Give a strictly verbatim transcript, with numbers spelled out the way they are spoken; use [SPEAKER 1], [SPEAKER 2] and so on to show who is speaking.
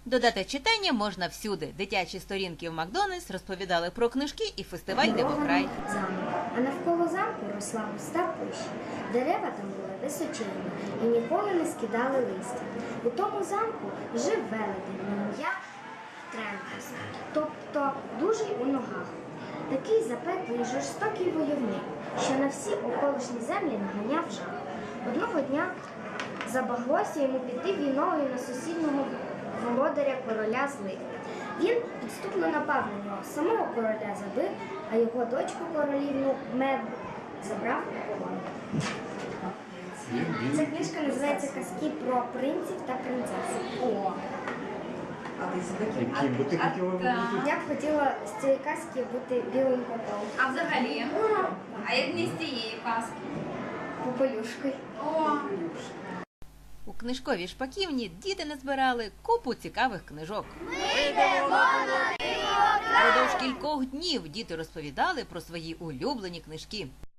[SPEAKER 1] Додати читання можна всюди. Дитячі сторінки в Макдональдс розповідали про книжки і фестиваль «Дивокрай».
[SPEAKER 2] Замок. А навколо замку росла густа пища. Дерева там були височенні і ніколи не скидали листя. У тому замку жив велетень на ім'я Тремпес, тобто дужий у ногах. Такий запеклий жорстокий войовник, що на всі околишні землі наганяв жах. Одного дня забаглося йому піти війною на сусіднього володаря короля злих. Він підступно напав на нього, самого короля забив, а його дочку королівну Мед забрав у полон. Ця книжка називається «Казки про принців та принцес».
[SPEAKER 3] О!
[SPEAKER 4] Яким би ти хотіла бути?
[SPEAKER 2] Я б хотіла з цієї казки бути білим котом.
[SPEAKER 3] А взагалі? А як не з цієї казки?
[SPEAKER 2] Попелюшкою.
[SPEAKER 3] О!
[SPEAKER 1] У книжковій шпаківні діти назбирали купу цікавих книжок. Продовж кількох днів діти розповідали про свої улюблені книжки.